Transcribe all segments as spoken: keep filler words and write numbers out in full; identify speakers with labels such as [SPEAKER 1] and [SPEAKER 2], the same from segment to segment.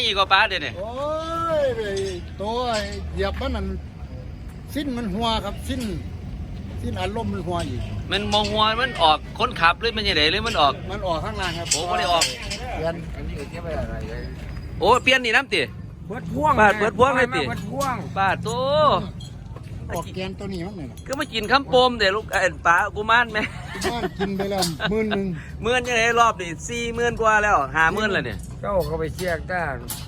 [SPEAKER 1] ก็ป้าเดี๋ยวนี้
[SPEAKER 2] โอ้ยตัวเหยียบมันนั่นสิ้นมันหัวครับสิ้นสิ้นอารมณ์มันหัวอีก
[SPEAKER 1] มันมองหัวมันออกคนขับหรือมันยังไงหรือมันออก
[SPEAKER 2] มันออกข้างล่างครับ
[SPEAKER 1] โอ้ไม่ได้ออก
[SPEAKER 2] เปลี่ยนอันนี้เก็บไว้อะไรเลย
[SPEAKER 1] โอ้เปลี่ยนนี่น้ำตี
[SPEAKER 3] เปิดพ่วง
[SPEAKER 1] บาดเปิดพ่วงเลยตี
[SPEAKER 3] เปิดพ่วง
[SPEAKER 1] บาดโต
[SPEAKER 2] ออกแกนตัวนี้มั้งเนี่ย
[SPEAKER 1] ก็มากินข้ามโปมเดี๋ยวลูกเอ็นป้ากูมานไหม
[SPEAKER 2] บ้านกินไปแล้วหมื่นหนึ่ง
[SPEAKER 1] หมื่นยังไงรอบนี่สี่หมื่นกว่าแล้วห้าหมื่นแล้วเนี่ย
[SPEAKER 3] เจ้าเขาไปเชียกได้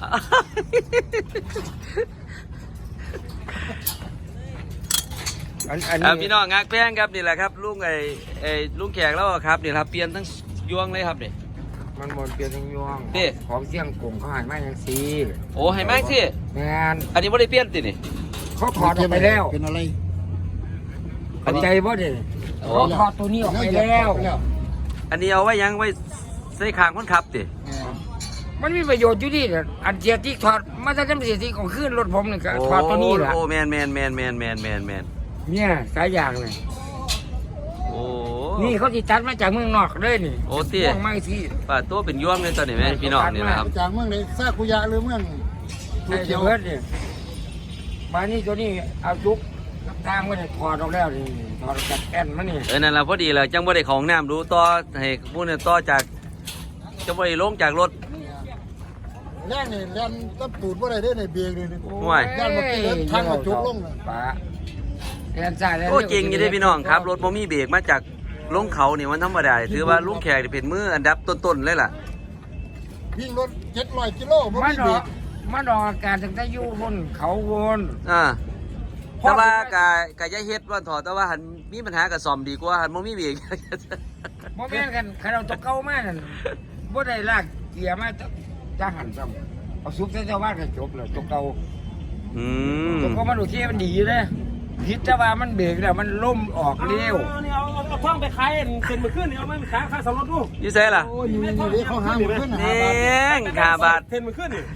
[SPEAKER 3] อันอันนี้
[SPEAKER 1] พี่น้องงักแพงครับนี่แหละครับลุงไอ้ไอ้ลุงแขกแล้วครับนี่ครับเปลี่ยนทั้งยวงเลยครับเนี่ย
[SPEAKER 3] มันหมดเปลี่ยนทั้งยวงของเสี่ยงกลุ่มเขาหายมาอย่างซี
[SPEAKER 1] โอ้ให้มากสิ
[SPEAKER 3] แมน
[SPEAKER 1] อันนี้ไม่ได้เปลี่ยนตินี่
[SPEAKER 3] เขาถอดออกไปแล้ว
[SPEAKER 2] เป็นอะไร
[SPEAKER 3] อันใจบ่เด้เขาถอดตัวนี้ออกไปแล้ว
[SPEAKER 1] อันนี้เอาไว้ยังไว้ใส่ขางคนขับติ
[SPEAKER 3] มันมีประโยชน์อยู่ดีอันเสียที่ถอดมาจากเสียที่ของขึ้นรถผมนี่ก็ถอดตัวนี้แหละ
[SPEAKER 1] โอ้แมนแมนแมนแมนแมนแมนแมน
[SPEAKER 3] เนี่ยสายยางเลย
[SPEAKER 1] โอ้
[SPEAKER 3] นี่เขาติดตัดมาจากเมืองนอกเลยนี่
[SPEAKER 1] โอ้เตี้ย
[SPEAKER 3] ไม่ที่
[SPEAKER 1] ป่าตัวเป็นย่วงเลยตอนนี้แม่พี่น้องนี่นะครับ
[SPEAKER 2] จากเมืองไหนซากุยะหรือเมือง
[SPEAKER 3] ภูเขียวเนี่ยมานี่ตัวนี้เอาจุกทางมันถอดออกแล้วนี่ถอดจากแอนมันนี่
[SPEAKER 1] เออนั่นแหละพอดีเลยจังบ่ได้ของน้ำดูต่อให้พวกเนี่ยต่อจากจังบ่ได้ลงจากรถ
[SPEAKER 2] แล่นนี่แล่นตับตูดว่าอะไรได้ในเบียร์เลยนี่
[SPEAKER 1] ห่วย
[SPEAKER 2] ย่านมากินทางมาจุกลงเลย
[SPEAKER 3] ป้าแอนจ่ายแล้ว
[SPEAKER 1] โอ้จริงยี่ได้พี่น้องครับรถโมมี่เบรกมาจากลงเขานี่มันธรรมดาถือว่าลุงแขกเป็นมืออันดับต้นๆเลยล่ะ
[SPEAKER 2] วิ่งรถเจ็ดร้อยกิโล
[SPEAKER 3] มันออกมันออกอาการถึงได้ยู่บนเขาวน
[SPEAKER 1] อ่าแต่ว่ากายกายยะเฮ็ดว่าถอดแต่ว่าหันมีปัญหากับซอมดีกว่าหันโมมี่เบรก
[SPEAKER 3] โมแม่นกันใครเราตกเก้ามากนั่นบ่ได้ลากเกียร์มาจะหันซ้ำเอาซุปเจ้าบ้านก็จบเลยตกเก้า
[SPEAKER 1] อืม
[SPEAKER 3] ตกเก้ามันดูที่มันดีเลยพิษจะว่ามันเบรกแล้วมันล่มออกเร็ว
[SPEAKER 4] เนี่ยเอาเอาท่องไปขายเซ็นมือขึ้นเนี่ยเอาไม่ขายขายสำรถดู
[SPEAKER 1] ยี่เซ่ล่ะ
[SPEAKER 2] โอ้ยนี่นี่เขาหาหมดขึ้นหาบาท
[SPEAKER 1] ขาบาท
[SPEAKER 4] เซ็นมือขึ้นนี่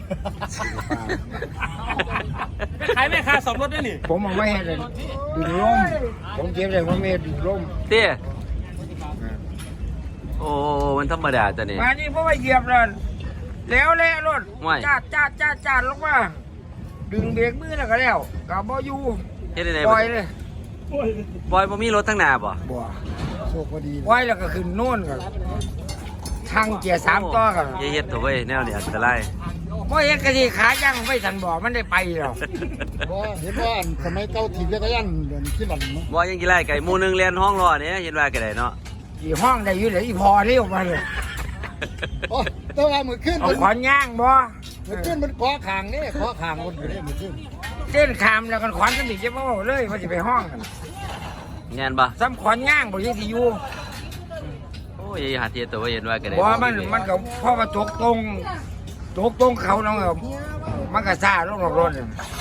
[SPEAKER 4] ขายไม่ขายสำรถได้นี่
[SPEAKER 3] ผมเอาไม่ให้เลยดึงล่มผมเก็บเลยผมไม่ดึงล่ม
[SPEAKER 1] เตี้ยโอ้มันธรรมดาแต่นี่
[SPEAKER 3] มานี่เพราะว่าเหยียบเลยแล้วแล้วรถจ้าจ้าจ้าจ้าลงมาดึงเบรกมือแล้วก็แล้วกับบ่อยู่ปล่อยเลย
[SPEAKER 1] ปล่อยบ่มีรถทั้งหน้าบ่
[SPEAKER 3] บ่
[SPEAKER 2] โชคพอดี
[SPEAKER 3] ปล่อยแล้วก็ขึ้นโน่นกันทางเกียร์สามต่อกัน
[SPEAKER 1] เฮ็ดตัวเว้ยแนวนี้อันตราย
[SPEAKER 3] เพราะเฮ็ดกะทิขาย่างไม่ทันบ่มันได้ไปหรอก
[SPEAKER 2] บ่เห็นว่าสมัยเก่าถีบจักรยานเดินขี้หลังเนาะ
[SPEAKER 1] บ่ยังกี่ไร่ไก่หมู่นึงเรียนห้องรอเนี่ยเห็นว่าก็ได้เนาะ
[SPEAKER 3] กี่ห้องได้อยู่เลยอีพอเร็วมาเลย
[SPEAKER 2] โอ้แต่ว่ามื้อคืน
[SPEAKER 3] เอาขอนย่างบ่
[SPEAKER 2] มื้อคืนมันขอข้างนี่ขอข้างคนอยู่นี่มื้อคืน
[SPEAKER 3] เต้นขามแล้วกันขอนสมิทจะบ่เลยมันสิไปห้องกัน
[SPEAKER 1] งานบ่
[SPEAKER 3] ซ้ำขอนย่างบ่สิอยู่
[SPEAKER 1] โอ้ยหาเทียตัวเห็นว่าก็ได้
[SPEAKER 3] บ่มันมันก็พอมาตกตรงตกตรงเขาน้องมันก็ซ่าลงรถ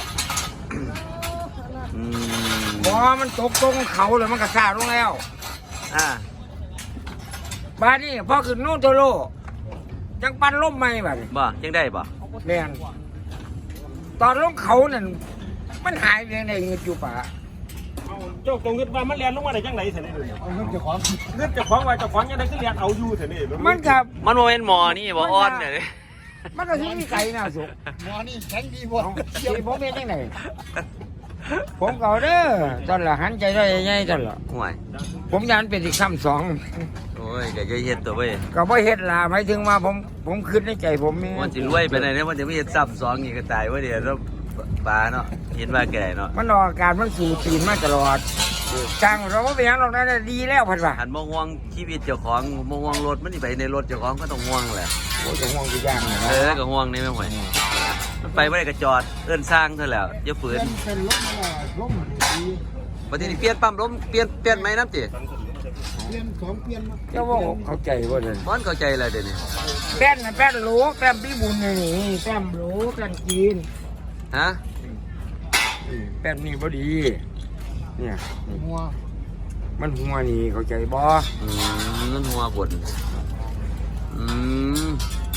[SPEAKER 1] อืม
[SPEAKER 3] บ่มันตกตรงเขาเลยมันก็ซ่าลงแล้ว
[SPEAKER 1] อ่า
[SPEAKER 3] บ้านนี้พอขึ้นโน่นโตโลจังปันล่มใหม่บัด
[SPEAKER 1] บ่ยังได้บ่
[SPEAKER 3] แม่นตอนลงเขานั่นมันหายไปไหนเงินอยู่ป่า
[SPEAKER 4] เจ้าตรงเงินว่ามันเรียนลงมาได้ยังไงเถอะนี่
[SPEAKER 2] เงินเจ้าของ
[SPEAKER 4] เงินเจ้าของว่าเจ้าของยังไงก็เรียนเอาอยู่เถอะนี่
[SPEAKER 3] มันกับ
[SPEAKER 1] มันโมเป็นหมอนี่บ่อ่อนเนี่ย
[SPEAKER 3] มันก็ที่มีไก่น่าสุก
[SPEAKER 2] หมอนี่แข็งดีบ่
[SPEAKER 3] ที่ผมเป็นยังไงผมเก่าเด้อตอนละหันใจได้ยังไงตอนละ
[SPEAKER 1] ห่วย
[SPEAKER 3] ผมยันเป็นอีกคำสอง
[SPEAKER 1] โอ้ยแกจะเฮ็ดตัวเว้ย
[SPEAKER 3] ก็บ่เฮ็ดล่ะหมายถึงว่าผมผมคิดในใจผมนี่
[SPEAKER 1] มันสิรวยไปไหนเนี่ยมันจะไม่เฮ็ดซ้ำสองอีกก็ตายว่าเดี๋ยวเราปลาเนาะเห็นว่าแก่เนาะ
[SPEAKER 3] มันออกอาการมันสู่ตีนมาตลอดจังเราก็เป็นอย่างเราได้ดีแล้วพันว่า
[SPEAKER 1] หันมองห่วงชีวิตเจ้าของมองห่วงรถมันนี่ไปในรถเจ้าของก็ต้องห่วงแหละ
[SPEAKER 3] โอ้จะห่วงกี่อย่าง
[SPEAKER 1] เออก็ห่วงนี่ไม่ไหวมันไปไม่ได้ก็จอดเอื้อนสร้างเท่าแล้วอย่าฝืน
[SPEAKER 2] เป็นล้มล้ม
[SPEAKER 1] ปฏิทินเปลี่ยนปั๊มล้มเปลี่ยนเปลี่ยนไหมน้ำจี
[SPEAKER 2] เปลี่ยนสองเปลี่ยน
[SPEAKER 3] เจ้าว่าเข้าใจว่าเดิน
[SPEAKER 1] มันเข้าใจอะไรเดี๋ยวนี้
[SPEAKER 3] แป้นแป้นโหลแป้นพี่บุญนี่แป้นโหลแป้นจีน
[SPEAKER 1] ฮะ
[SPEAKER 3] แป้นนี่พอดีเนี่ย
[SPEAKER 2] หัว
[SPEAKER 3] มันหัวนี่เข้าใจบ่
[SPEAKER 1] อืมนั่นหัวบดอืม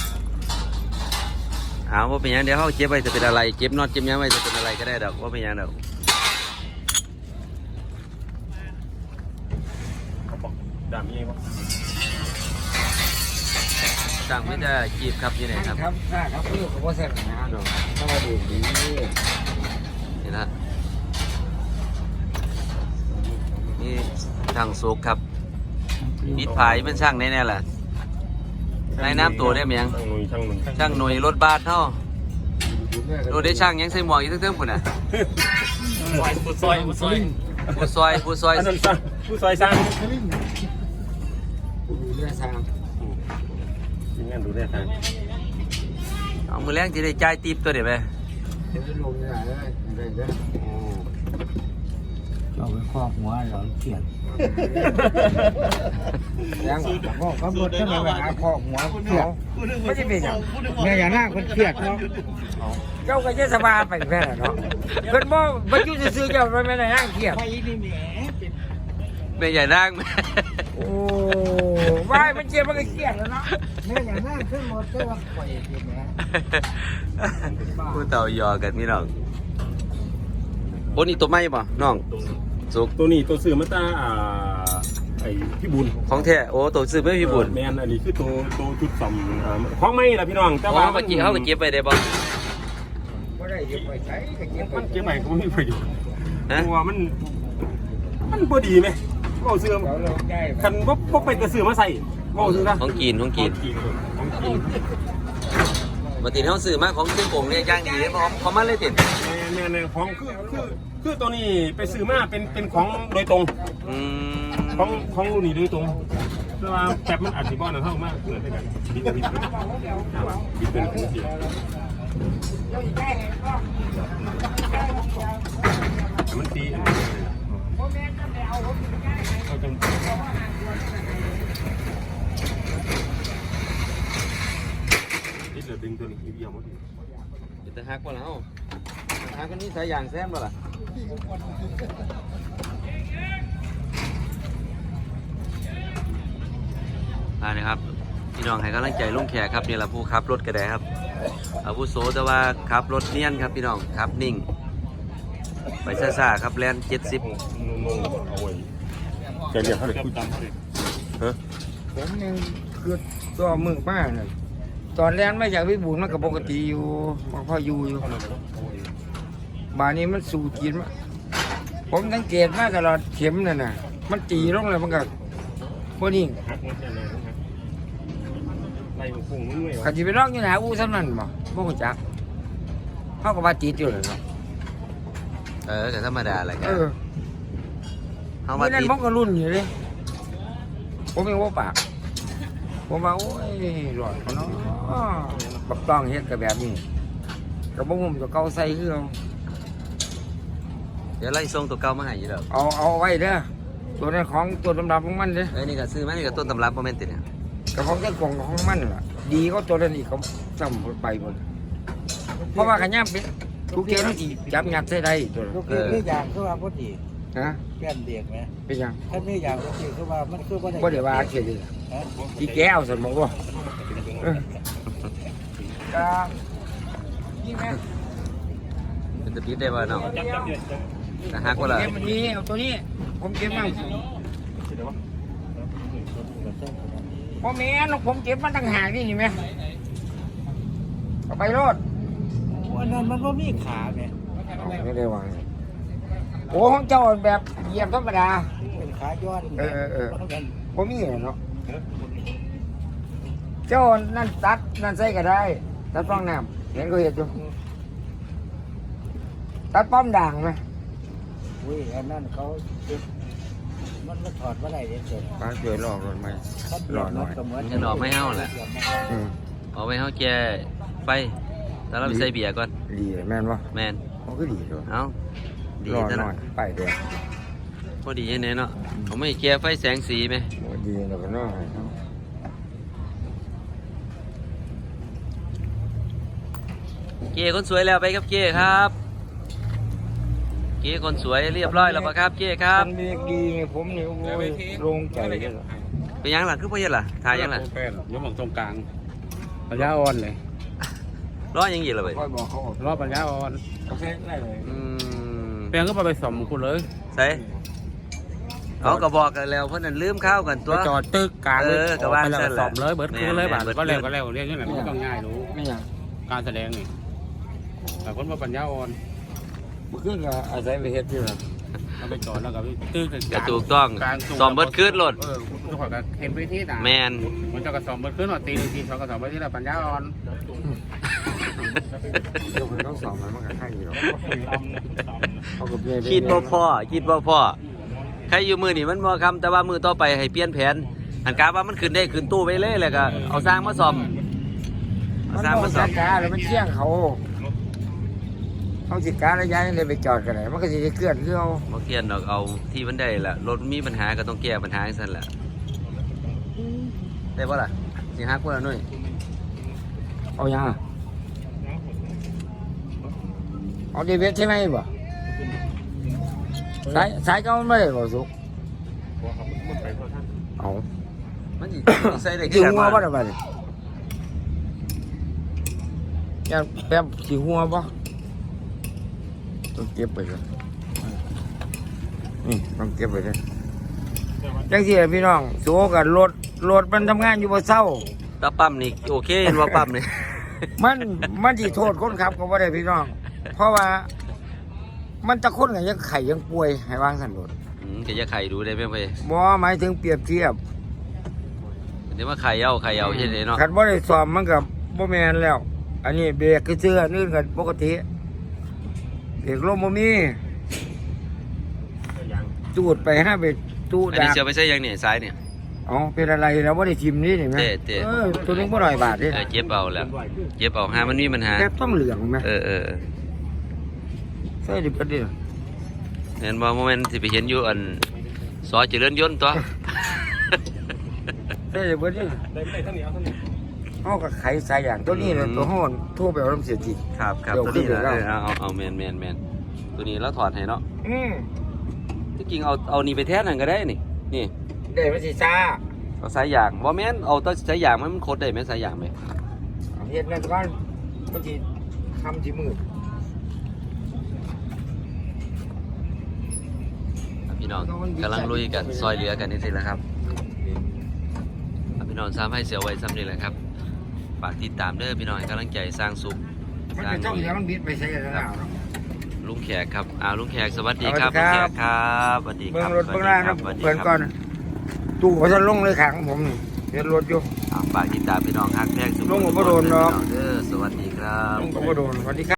[SPEAKER 1] เอาว่าเป็นยังเดี๋ยวเขาเก็บไว้จะเป็นอะไรเก็บน็อตเก็บยังไว้จะเป็นอะไรก็ได้ดอกว่าเป็นยังดอก
[SPEAKER 4] ดามยังไงวะ
[SPEAKER 1] สั่งไม่ได้จีบครับอยู่ไหนครับ
[SPEAKER 3] ครับครับเพื่อเขาบอกเสร็จนะเนาะถ้ามาดูดี
[SPEAKER 1] นี่นะนี่ช่างสุกครับปิดผายเป็นช่างแน่ๆแหละในน้ำตัวได้ไหมยัง
[SPEAKER 4] ช่างหนุ่ยช่างหนุ่ย
[SPEAKER 1] ช่างหน่วยรถบัสเท่าโดได้ช่างยังใส่หมวกอีกเติมๆคนน่ะ
[SPEAKER 4] ผู้ซอยผู้ซอย
[SPEAKER 1] ผู้ซอยผู้ซอย
[SPEAKER 4] อันนั้นสร้างผู้ซอยสร้าง
[SPEAKER 3] ดูเรื่องทาง
[SPEAKER 4] ทีมงานดูแลทาง
[SPEAKER 1] เอามือแรงที่ได้จ่ายติปตัวเดี๋ยวไป
[SPEAKER 3] เดี๋ยวลงนี่แหละเลยอะไรเด้อเราไปครอบหัวเราเขียนยังบอกเขาบดขึ้นมาหาครอบหัวเขาไม่ใช่เป็นอย่างเนี่ยอย่างนั้นคนเครียดเนาะเจ้าก็จะสบายไปแค่เนาะเพิ่นบ่บ่อยู่ซื่อๆเจ้าไปไม่ได้นั่งเครียด
[SPEAKER 1] แม่ใหญ่นั่ง
[SPEAKER 3] โอ้ว่ายมันเจ็บมันก็เครียดแล้วเนาะแม่อย่างนั้นขึ้นหมดก็ว่าปล่อยเจ็บแม่
[SPEAKER 1] ผู้เต่ายอกันพี่น้องโอ้นี่ตัวไม่ป่ะน้องสุก
[SPEAKER 4] ตัวนี้ตัวซื้อมาตาอ่าไอ้พี่บุญ
[SPEAKER 1] ของแท้โอ้ตัวซื้อไม่พี่บุญ
[SPEAKER 4] แมนอันนี้คือตัวตัวชุดสำอ่าของไม่ล่ะพี่น้องแต่
[SPEAKER 1] อ๋อ
[SPEAKER 4] ว่า
[SPEAKER 1] เมื่อกี้เขาก็เก็บไปได้ป่ะ
[SPEAKER 3] บ่ได้เก็บไว้ใช้ก็เก็บ
[SPEAKER 4] มันเก็บไปก็ไม่มีประโยชน์
[SPEAKER 1] ฮะ
[SPEAKER 4] ตัวมันมันบ่ดีไหมว่าซื้อ
[SPEAKER 3] เราลงได้
[SPEAKER 4] คันบ่บ่ไปแต่ซื้อมาใส่ว่าซื้อซะ
[SPEAKER 1] ของกินของกิน
[SPEAKER 4] ของกิน
[SPEAKER 1] มาติดเขาซื้อมาของซึ่งผมเนี่ยย่างดีเลยเพราะเขามาเลยติด
[SPEAKER 4] แม่แม่ของคือคือคือตัวนี้ไปซื้อมาเป็นเป็นของโดยตรง
[SPEAKER 1] อืม
[SPEAKER 4] ของของรุ่นนี้โดยตรงแต่ว่าแบบมันอาจจะบ่อนเท่ามากเหมือนกันบิดบิดบิดเป็นของเสียแต่มันตีเอาจังนี่เหลือดึงตัวนี้อีกอย่างหมด
[SPEAKER 1] จะหักป่ะแล้วหักกันนี่ใส่ยางแซมป่ะล่ะอ่านะครับพี่น้องให้กำลังใจลุงแขกครับนี่แหละผู้ขับรถกระไดครับอาวุโสแต่ว่าขับรถเนียนครับพี่น้องขับนิ่งไปซ่าๆครับแลนเจ็ดสิบ
[SPEAKER 4] งงๆเอาไว้แกเรียกเขาเลยพูดตามเขาเลยฮะ
[SPEAKER 3] ผมยังคือตัวมึกมากเลยตอนแรกไม่อยากวิบูลมันก็ปกติอยู่มันพออยู่อยู่บานนี้มันสู่จีนมาผมสังเกตมาตลอดเข็มนั่นน่ะมันตีลงเลยมันก็พวกนี้
[SPEAKER 4] ฮักมันแค่ไหนฮักไล่มันคงมันไม่ไหว
[SPEAKER 3] ขันจีไปร้องอยู่ไหนอู้ซ้ำนั่นบ่บ่รู้จักเขาก็ว่าติดอยู่เลยเนาะ
[SPEAKER 1] เออก็ธรรมดาแหละครั
[SPEAKER 3] เอบ อ
[SPEAKER 1] เขามา
[SPEAKER 3] นี่นั่น
[SPEAKER 1] ติด
[SPEAKER 3] ผมก็รุ่นอยู่เลยผมยังว่าปากผมว่าโอ้ยหลอดเขาเนาะบักต้องเฮ็ดกับแบบนี้กับบ่ผมตัวเก่าใส่คือเอา
[SPEAKER 1] เดี๋ยวไล่ส่งตัวเก่ามาให้อยู่แล้ว
[SPEAKER 3] เอาเอาไว้เด้อตัวนั้นของตัวดำๆของมันเด้อ
[SPEAKER 1] เอ้ยนี่ก็ซื้อมานี่ก็ต้นตำรับโมเมนต์ติดเนี่ย
[SPEAKER 3] กับของเจ้ากล่องของมันล่ะดีก็ตัวนั้นอีกเขาจำไปหมดเพราะว่าขยันเป็นทุกเที่ยวนั่นอีกจับงัดใส่ได้ตัวนั้น
[SPEAKER 5] ลูกเลี้ยงนี่อย่างคือว่าพอดี
[SPEAKER 3] ฮะ
[SPEAKER 5] แก้มเด็กไหม
[SPEAKER 3] เป็นยัง
[SPEAKER 5] ถ้าไม่อย่างพอดีคือว่ามันคือว่า
[SPEAKER 3] บ่ได้ว่าเขียนเลย
[SPEAKER 5] ฮะ
[SPEAKER 3] อีแก้วสมองบ่เออก็นี่แม่
[SPEAKER 1] เป็นตะปิดได้ป่ะน้อง
[SPEAKER 4] จับจับเดี๋ยวจับ
[SPEAKER 1] แต่หักว่าล่ะ
[SPEAKER 3] เก็บมันนี้เอาตัวนี้ ผมเก็บมาพ่อแม่นผมเก็บมันตั้งหากนี่เห็นไหมเอาไปรถ
[SPEAKER 5] วันนั้นมันก็มีขาไง
[SPEAKER 3] ไม่ได้วางโอ้ของเจ้าแบบเหยียบธรรมดา
[SPEAKER 5] เป็นขาย้อน
[SPEAKER 3] เออเออเออ
[SPEAKER 5] มันกัน
[SPEAKER 3] ผมมีเนาะเจ้านั่นตัดนั่นใส่ก็ได้ตัดป้องน้ำเห็นก็เห็นอยู่ตัดป้อมด่างไหม
[SPEAKER 5] อุ้ยอันนั้นเขามันมันถอดมาได้เฉย
[SPEAKER 3] ป้าช่วยรอรถไหมรอหน่อย
[SPEAKER 1] จะดอกไม่เห่าแหละ
[SPEAKER 3] อืม
[SPEAKER 1] เอาไว้เห่าแกไฟแต่เราไปใส่เบียร์ก่อน
[SPEAKER 3] ดีแม่นวะ
[SPEAKER 1] แมน
[SPEAKER 3] มันก็ดีด้วย
[SPEAKER 1] เอาดี
[SPEAKER 3] รอ
[SPEAKER 1] จัง
[SPEAKER 3] หน่อยไปเดี๋ยว
[SPEAKER 1] พอดียังไงเนาะเขาไม่แกไฟแสงสีไหม
[SPEAKER 3] โอ้ดีแล้วก็น้อย
[SPEAKER 1] เก้คนสวยแล้วไปครับเก้ครับ เก้คนสวยเรียบร้อยแล้วปะครับเก้ครับ
[SPEAKER 3] มันมีดีไงผมนี่โอ้ยโล่งใจเลย
[SPEAKER 1] เป็นยังล่ะคือพ่อเย็นล่ะถ่ายยังล่ะ
[SPEAKER 4] แป้นยกหมองตรงกลางปัญญาอ่อนเลย
[SPEAKER 1] ร้อยยังยีละไป
[SPEAKER 3] ค่อยบอกเขา
[SPEAKER 4] รอบปัญญาอ่อน
[SPEAKER 3] เขาแค่ได้เลย
[SPEAKER 1] อืม
[SPEAKER 4] แป้งก็ไปไปสมคุณเลย
[SPEAKER 1] ใส่เขาก็บอกกันแล้วเพราะนั้นลืมข้าวกันตัว
[SPEAKER 4] ไปจอดตึกกลาง
[SPEAKER 1] เออก็ว่า
[SPEAKER 4] ไปแล้ว
[SPEAKER 1] เส้นแห
[SPEAKER 4] ส
[SPEAKER 1] ละ
[SPEAKER 4] อบเลยเบิร์ดคืนเลย
[SPEAKER 1] แม่
[SPEAKER 4] บาท
[SPEAKER 1] นๆ
[SPEAKER 4] ก็แล้ว
[SPEAKER 1] เบิ
[SPEAKER 4] ก็
[SPEAKER 1] ด
[SPEAKER 4] แล้วเรียกนี่แหละไม่ต้องง่ายรู้
[SPEAKER 3] ไม่หยัง
[SPEAKER 4] การแสดงนี่แต่คนว่าปัญญาอ่อน
[SPEAKER 3] เมื่อคืนก็อาศัยไปเฮ็ดอยู่นะ
[SPEAKER 4] เราไปจอดแล้วก็ไปตึก
[SPEAKER 1] ก็ถูกต้อง
[SPEAKER 4] กลาง
[SPEAKER 1] ซ้อมเบิดคืนรถ
[SPEAKER 4] เออทุกคนก็เห็นไปที่ต่าง
[SPEAKER 1] แมน
[SPEAKER 4] มันจะกระสอบเบิร์ดคืนหน่อยตีหนึ่งทีสองกระสอบเบิร์ดที่ละปัญญาอ่อน
[SPEAKER 3] เดี๋ยวมันต้องสอบมันมันก็ใช่อยู่หรอกเขากับเมีย
[SPEAKER 1] คิดบ่พ่อคิดบ่พ่อใครอยู่มือนี่มันบ่คำแต่ว่ามือต่อไปให้เปลี่ยนแผนหันกาว่ามันขึ้นได้ขึ้นตู้ไปเลยแล้วก็เอาสร้างมาซ่อมเอา
[SPEAKER 3] มัน
[SPEAKER 1] สร้าง
[SPEAKER 3] ต้อ
[SPEAKER 1] มาง ซ่อ
[SPEAKER 3] จั
[SPEAKER 1] ม
[SPEAKER 3] ดการแล้วมันเชี่ยงเขาเขาสิการระยะเลยไปจอดกันไหนมันก็สิได้เคลื่อนคือเอา
[SPEAKER 1] บ่เทียนดอกเอาที่มันได้ละรถมันมีปัญหาก็ต้องแก้ปัญหาจังซั่นแหละได้บ่ล่ะสิฮักบ่ล่ะหนุ่ย
[SPEAKER 3] เอายังอะเอาเดวิดใช่ไหมบ่สายสายก็ไม่ได้บ่สุกเอา
[SPEAKER 1] มันสิใส่ได้
[SPEAKER 3] สิ
[SPEAKER 1] คือกัน
[SPEAKER 3] หัว
[SPEAKER 1] บ่
[SPEAKER 3] บ่ได้บ่เนี่ยยันแป๊บสิหัวบ่ต้องเก็บไปเลยนี่ต้องเก็บไปเลยจังซี่ล่ะพี่น้องโซกับรถรถมันทำงานอยู่บ่เศร้า
[SPEAKER 1] ตาปั๊มนี่โอเคเห็นว่าปั๊มนี่
[SPEAKER 3] มันมันสิโทษคนขับก็บ่ได้พี่น้อง เพราะว่า มันจะคนกันยังไข่ยังป่วยให้วางสันรถ
[SPEAKER 1] อืมก็จะไข่ดูได้ไหมเพ่
[SPEAKER 3] บ่หมายถึงเปรียบเทียบ
[SPEAKER 1] เดี๋ยวว่าไข่เอาไข่เอาเฮ็ดได้เนาะ
[SPEAKER 3] คันบ่ได้สอบมันก็บ่แม่นแล้ว อันนี้เบรกคือเสื้ออันอื่นก็ปกติเบรกลมบ่มีจูดไปห้าเบรกจูด
[SPEAKER 1] อันนี้
[SPEAKER 3] ดัก
[SPEAKER 1] เสียไปใช้ยังเนี่ยซ้ายเนี่ย
[SPEAKER 3] อ๋อเป็นอะไรแล้วบ่ได้ทิมนี่นี่แม่
[SPEAKER 1] เตะเตะ
[SPEAKER 3] เออตัวนึงบ่ร้อยบาทนี่
[SPEAKER 1] เออเจ็บเอาแล้วเจ็บเอาหามันมีปัญหา
[SPEAKER 3] แค่ต้องเหลืองแม่
[SPEAKER 1] เออเออ
[SPEAKER 3] ใส่ดิบดิ
[SPEAKER 1] เห็นบ่โมเมนต์สิไปเห็นอยู่อันซอยเจริญยนต์ตัว
[SPEAKER 3] ใส่ดิบดิ
[SPEAKER 4] ได้ได้ท่านนี้เอาท่านนี้
[SPEAKER 3] เฮาก็ไขสายอย่างตัวนี้เลยตัวฮ้อนโทรไปเอาน้ำเสียที
[SPEAKER 1] ครับครับ
[SPEAKER 3] เดี๋ยว
[SPEAKER 1] ตัวนี้
[SPEAKER 3] ขึ้น
[SPEAKER 1] นะ
[SPEAKER 3] ไป
[SPEAKER 1] เอ
[SPEAKER 3] แล้ว
[SPEAKER 1] อเอาเอาเอาแมนแมนแมนตัวนี้เราถอดให้เนาะ
[SPEAKER 3] อืม
[SPEAKER 1] ที่จริงเอาเอานี่ไปแทนนั่นก็ได้นี่นี่
[SPEAKER 3] ได้มันสิซ่า
[SPEAKER 1] เอาสายยางบ่แม่นเอาแตัวสายยางมันมันโคตรได้ไหมสายยางไหม
[SPEAKER 3] เอาเฮ็ดนั่นก่อนมันสิคำสิมืด
[SPEAKER 1] พี่น้องกำลังลุยกันซอยเหลือกันนี่สิแหละครับพี่น้องซ้ำให้เสียวไว้ซ้ำนี่แหละครับฝากติดตามเด้อพี่น้องให้กำลังใจสร้างสุข
[SPEAKER 3] มัน
[SPEAKER 1] สร้าง
[SPEAKER 3] จะต้องเหลือมันบิดไปใส่กันแล้วเนาะ
[SPEAKER 1] ลุงแขกครับอ่าลุงแขกสวัสดี
[SPEAKER 3] สวัสดี
[SPEAKER 1] ครับ
[SPEAKER 3] ค
[SPEAKER 1] ลุ
[SPEAKER 3] รั
[SPEAKER 1] ง
[SPEAKER 3] บ
[SPEAKER 1] แขกครับสวัสดีค
[SPEAKER 3] เบิ่
[SPEAKER 1] รั
[SPEAKER 3] ง
[SPEAKER 1] บ
[SPEAKER 3] รถเบิ่งล่างนะ
[SPEAKER 1] สวัสดี
[SPEAKER 3] เปิด
[SPEAKER 1] ครับ
[SPEAKER 3] ก่อนตู้เขาจะลงเลยขังผมนี่เฮ็ดรถอยู่
[SPEAKER 1] อ่าฝากติดตามพี่น้องฮักแพงสุข
[SPEAKER 3] ลุงก็บ่โดนหรอก
[SPEAKER 1] เด้อสวัสดีครับ
[SPEAKER 3] ลงก็บ่โดนสวัสดีครับ